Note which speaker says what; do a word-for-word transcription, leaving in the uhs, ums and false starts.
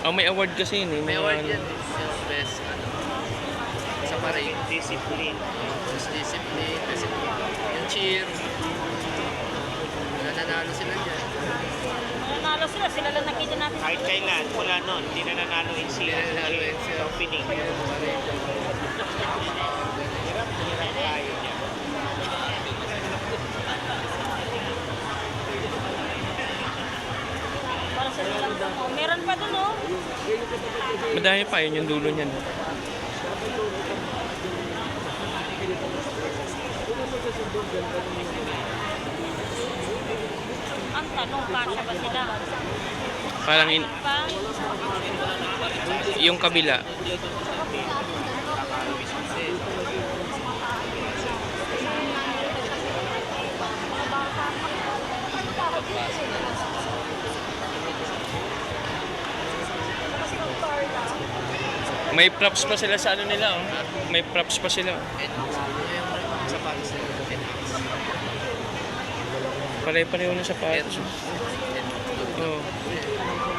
Speaker 1: Oh, may award kasi yun eh.
Speaker 2: May
Speaker 1: mga
Speaker 2: award
Speaker 1: ano.
Speaker 2: yan eh. Yung best, ano, sa parade.
Speaker 3: Discipline.
Speaker 2: Best discipline, best yung cheer. Nananalo sila dyan.
Speaker 4: Nanalo sila, sila lang nakita natin.
Speaker 3: Kahit kailan, mula noon, hindi na nanalo yung
Speaker 2: Hindi na nanalo yung
Speaker 3: C
Speaker 2: C-
Speaker 3: opening.
Speaker 2: Yung parade.
Speaker 3: Hirap, hirap tayo niya.
Speaker 4: Para sa silang po. Meron pa dun, oh.
Speaker 1: Madami pa yun yung dulo niyan.
Speaker 4: Ang tanong, kasya ba sila?
Speaker 1: Parang in,
Speaker 4: Pa?
Speaker 1: yung kabila. May props pa sila sa ano nila oh. May props pa sila.
Speaker 2: Yung sapatos nila.
Speaker 1: Pare-pareho na sa patos.
Speaker 2: Pero,
Speaker 1: Oh.